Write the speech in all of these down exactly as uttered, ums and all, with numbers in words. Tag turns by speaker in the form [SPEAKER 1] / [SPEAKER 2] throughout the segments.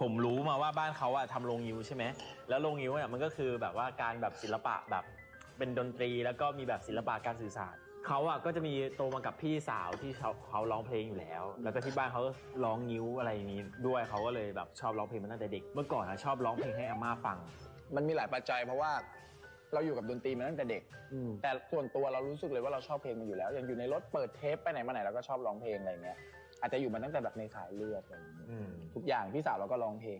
[SPEAKER 1] ผมรู้มาว่าบ้านเขาอะทำโรงงิ้วใช่ไหมแล้วโรงงิ้วเนี่ยมันก็คือแบบว่าการแบบศิลปะแบบเป็นดนตรีแล้วก็มีแบบศิลปะการสื่อสารเขาอะก็จะมีโตมากับพี่สาวที่เขาเขาร้องเพลงอยู่แล้วแล้วก็ที่บ้านเขาร้องงิ้วอะไรนี้ด้วยเขาก็เลยแบบชอบร้องเพลงมาตั้งแต่เด็กเมื่อก่อนอะชอบร้องเพลงให้อาม่าฟัง
[SPEAKER 2] มันมีหลายปัจจัยเพราะว่าเราอยู่กับดนตรีมาตั้งแต่เด็กแต่ส่วนตัวเรารู้สึกเลยว่าเราชอบเพลงมันอยู่แล้วอย่างอยู่ในรถเปิดเทปไปไหนมาไหนเราก็ชอบร้องเพลงอะไรเงี้ยอาจจะอยู่มาตั้งแต่แบบในสายเลือดอะไรอย่างเงี้ยทุกอย่างพี่สาวเราก็ร้องเพลง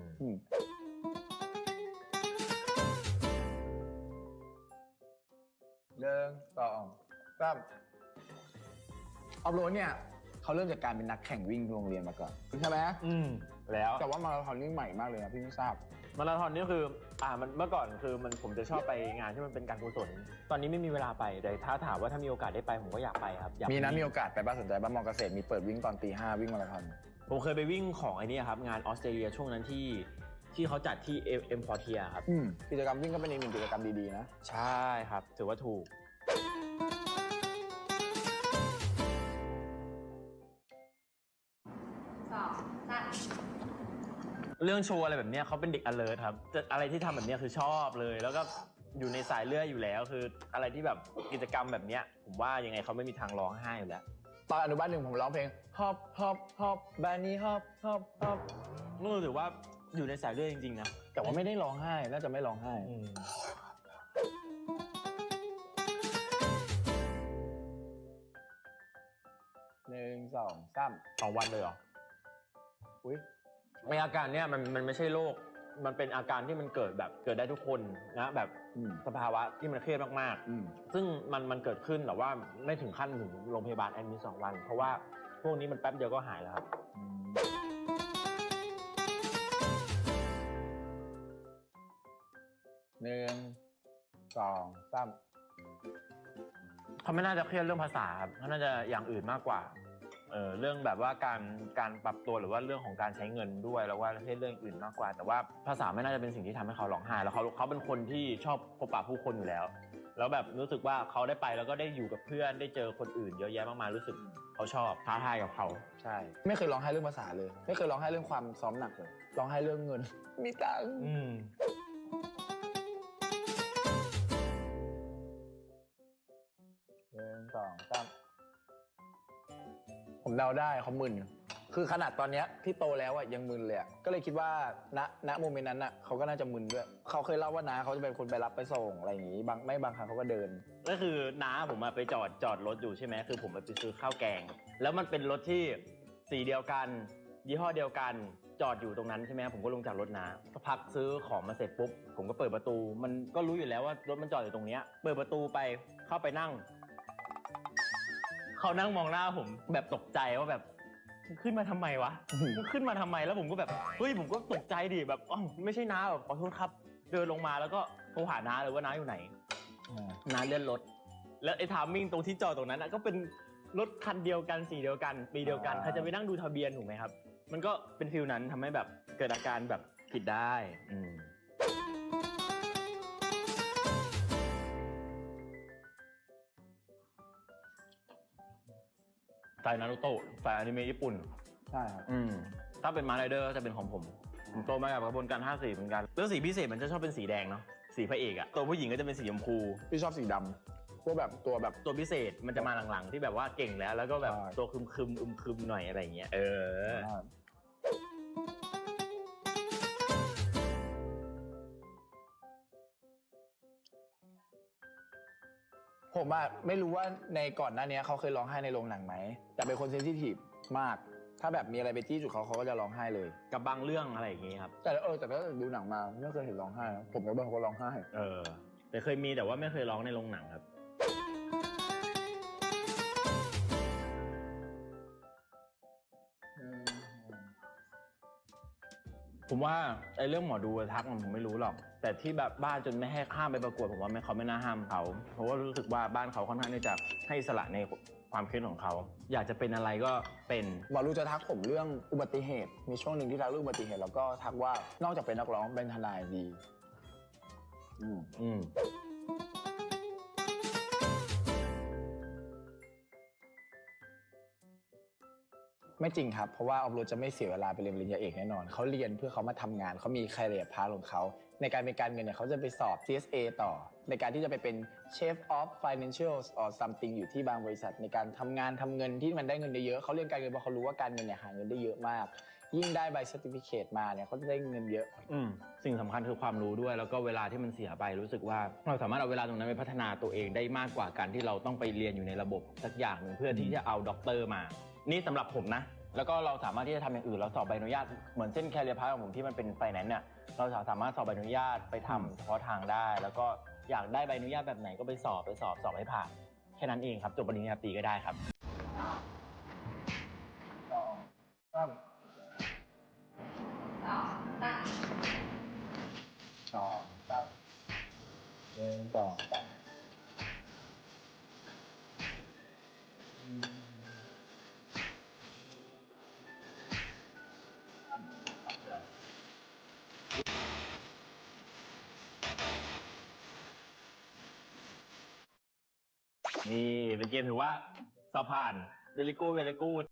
[SPEAKER 2] เดินต่อสามออฟโรดเนี่ยเขาเริ่มจากการเป็นนักแข่งวิ่งโรงเรียนมาก่อนใช่ไหมอืมแล้วแต่ว่ามาราธอนนี่ใหม่มากเลยนะพี่ไม่ทราบ
[SPEAKER 1] มาราธอนนี่คืออ่ามันเมื่อก่อนคือมันผมจะชอบไปงานที่มันเป็นการกุศลตอนนี้ไม่มีเวลาไปแต่ถ้าถามว่าถ้ามีโอกาสได้ไปผมก็อยากไปครับ
[SPEAKER 2] มีนะมีโอกาสไปบ้านสนใจบ้านมอเกษตรมีเปิดวิ่งตอนตีห้าวิ่งมาราธอน
[SPEAKER 1] ผมเคยไปวิ่งของไอ้นี่ครับงานออสเตรเลียช่วงนั้นที่ที่เขาจัดที่เอ็มพอร์เทียครับ
[SPEAKER 2] กิจกรรมวิ่งก็เป็นอีกหนึ่งกิจกรรมดีๆนะ
[SPEAKER 1] ใช่ครับถือว่าถูก
[SPEAKER 3] สองสาม
[SPEAKER 1] เรื่องโชว์อะไรแบบนี้เขาเป็นเด็ก alert ครับอะไรที่ทำแบบนี้คือชอบเลยแล้วก็อยู่ในสายเลือดอยู่แล้วคืออะไรที่แบบกิจกรรมแบบนี้ผมว่ายังไงเขาไม่มีทางร้องไห้อยู่แล้ว
[SPEAKER 2] ตอนอนุบาลหนึ่งผมร้องเพลงฮอปฮอปฮอปบานี่ฮอปฮอปฮอป
[SPEAKER 1] นู่นถือว่าอยู่ในสายเลือดจริงๆนะ
[SPEAKER 2] แต่ว่าไม่ได้ร้องไห้น่าจะไม่ร้องไห้หนึ่งสองสาม
[SPEAKER 1] สองวันเลยเหรอ
[SPEAKER 2] อุ้ย
[SPEAKER 1] ในอาการเนี้ยมันมันไม่ใช่โรคมันเป็นอาการที่มันเกิดแบบเกิดได้ทุกคนนะแบบสภาวะที่มันเครียดมากๆซึ่งมันมันเกิดขึ้นแต่ว่าไม่ถึงขั้นถึงโรงพยาบาลแอดมิทสองวันเพราะว่าพวกนี้มันแป๊บเดียวก็หายแล้วครับ
[SPEAKER 2] หนึ่งสองสาม
[SPEAKER 1] เขาไม่น่าจะเครียดเรื่องภาษาครับเขาน่าจะอย่างอื่นมากกว่าเออเรื่องแบบว่าการการปรับตัวหรือว่าเรื่องของการใช้เงินด้วยแล้วว่าเรื่องอื่นมากกว่าแต่ว่าภาษาไม่น่าจะเป็นสิ่งที่ทำให้เขาร้องไห้แล้วเขาเขาเป็นคนที่ชอบพบปะผู้คนอยู่แล้วแล้วแบบรู้สึกว่าเขาได้ไปแล้วก็ได้อยู่กับเพื่อนได้เจอคนอื่นเยอะแยะมากมายรู้สึกเขาชอบท้าทายกับเขา
[SPEAKER 2] ใช่ไม่เคยร้องไห้เรื่องภาษาเลยไม่เคยร้องไห้เรื่องความซ้อมหนักเลยร้องไห้เรื่องเงินมีตังค์หนึ่งสองสามผมเดาได้เขามึนคือขนาดตอนนี้ที่โตแล้วอ่ะยังมึนเลยอ่ะก็เลยคิดว่าณณโมเมนต์นั้นอ่ะเขาก็น่าจะมึนด้วยเขาเคยเล่าว่าน้าเขาจะเป็นคนไปรับไปส่งอะไรอย่างงี้บางไม่บางครั้งเขาก็เดิน
[SPEAKER 1] ก็คือน้าผมมาไปจอดจอดรถอยู่ใช่ไหมคือผมไปซื้อข้าวแกงแล้วมันเป็นรถที่สีเดียวกันยี่ห้อเดียวกันจอดอยู่ตรงนั้นใช่ไหมผมก็ลงจากรถน้าสักพักซื้อของมาเสร็จปุ๊บผมก็เปิดประตูมันก็รู้อยู่แล้วว่ารถมันจอดอยู่ตรงเนี้ยเปิดประตูไปเข้าไปนั่งเขานั่งมองหน้าผมแบบตกใจว่าแบบขึ้นมาทำไมวะขึ้นมาทำไมแล้วผมก็แบบเฮ้ยผมก็ตกใจดิแบบอ๋อไม่ใช่น้าแบบขอโทษครับเดินลงมาแล้วก็โทรหาน้าเลยว่าน้าอยู่ไหนน้าเลื่อนรถแล้วไอ้ทามมิ่งตรงที่จอดตรงนั้นก็เป็นรถคันเดียวกันสีเดียวกันปีเดียวกันใครจะไปนั่งดูทะเบียนถูกไหมครับมันก็เป็นฟิลนั้นทำให้แบบเกิดอาการแบบผิดได้อืมสายนารูโตะสายอนิเมะญี่ปุ่น
[SPEAKER 2] ใช่ครับ
[SPEAKER 1] อืมถ้าเป็นมาไรเดอร์จะเป็นของผมผมโตมากับกระบวนการห้าสีเหมือนกันแล้วสีพิเศษมันจะชอบเป็นสีแดงเนาะสีพระเอกอะตัวผู้หญิงก็จะเป็นสีชมพู
[SPEAKER 2] พี่ชอบสีดำพวกแบบตัวแบบ
[SPEAKER 1] ตัวพิเศษมันจะมาหลังๆที่แบบว่าเก่งแล้วแล้วก็แบบตัวคึมคึมอึมคึมหน่อยอะไรอย่างเงี้ยเออ
[SPEAKER 2] ผมอะไม่รู้ว่าในก่อนหน้านี้เขาเคยร้องไห้ในโรงหนังไหมแต่เป็นคนเซนซิทีฟมากถ้าแบบมีอะไรไปจี้จุดเขาเขาก็จะร้องไห้เลย
[SPEAKER 1] กับบางเรื่องอะไรอย่างงี้ครับ
[SPEAKER 2] แต่เออแต่ก็ดูหนังมาไม่เคยเห็นร้องไห้นะผมกับเบิร์ดเขาร้องไห้
[SPEAKER 1] เออแต่เคยมีแต่ว่าไม่เคยร้องในโรงหนังครับผมว่าไอ้เรื่องหมอดูทักมันผมไม่รู้หรอกแต่ที่แบบบ้านจนไม่ให้ห้ามไปประกวดผมว่าไม่เขาไม่น่าห้ามเขาเพราะว่ารู้สึกว่าบ้านเขาค่อนข้างที่จะให้อิสระในความคิดของเขาอยากจะเป็นอะไรก็เป็น
[SPEAKER 2] หมอดูจะทักผมเรื่องอุบัติเหตุมีช่วงหนึ่งที่ทักเรื่องอุบัติเหตุแล้วก็ทักว่านอกจากเป็นนักร้องเป็นทนายดีอืมอืมไม่จริงครับเพราะว่าออฟโรดจะไม่เสียเวลาไปเรียนปริญญาเอกแน่นอนเขาเรียนเพื่อเขามาทำงานเขามี career path ของเขาในการเป็นการเงินเนี่ยเขาจะไปสอบ ซี เอส เอ ต่อในการที่จะไปเป็น Chief of Financials or something อยู่ที่บางบริษัทในการทำงานทำเงินที่มันได้เงินเยอะๆเขาเรียนการเงินเพราะเขารู้ว่าการเงินเนี่ยหาเงินได้เยอะมากยิ่งได้ใบ certificate มาเนี่ยเขาจะได้เงินเยอะ
[SPEAKER 1] อืมสิ่งสำคัญคือความรู้ด้วยแล้วก็เวลาที่มันเสียไปรู้สึกว่าเราสามารถเอาเวลาตรงนั้นไปพัฒนาตัวเองได้มากกว่าการที่เราต้องไปเรียนอยู่ในระบบสักอย่างหนึ่งเพื่อที่จะเอาด็อกเตอร์มา นี่สำหรับผมนะแล้วก็เราสามารถที่จะทำอย่างอื่นเราสอบใบอนุญาตเหมือนเส้นแคเรียร์พาร์ของผมที่มันเป็นไฟแนนซ์เนี่ยเราสามารถสอบใบอนุญาตไปทำเฉพาะทางได้ แล้วก็อยากได้ใบอนุญาตแบบไหนก็ไปสอบไปสอบสอบให้ผ่านแค่นั้นเองครับจบปริญญาตรีก็ได้ครับ
[SPEAKER 2] สองสามหนึ่งสองสาม
[SPEAKER 1] นี่เป็นเกมถือว่าสอบผ่านเวลิกูเวลิกู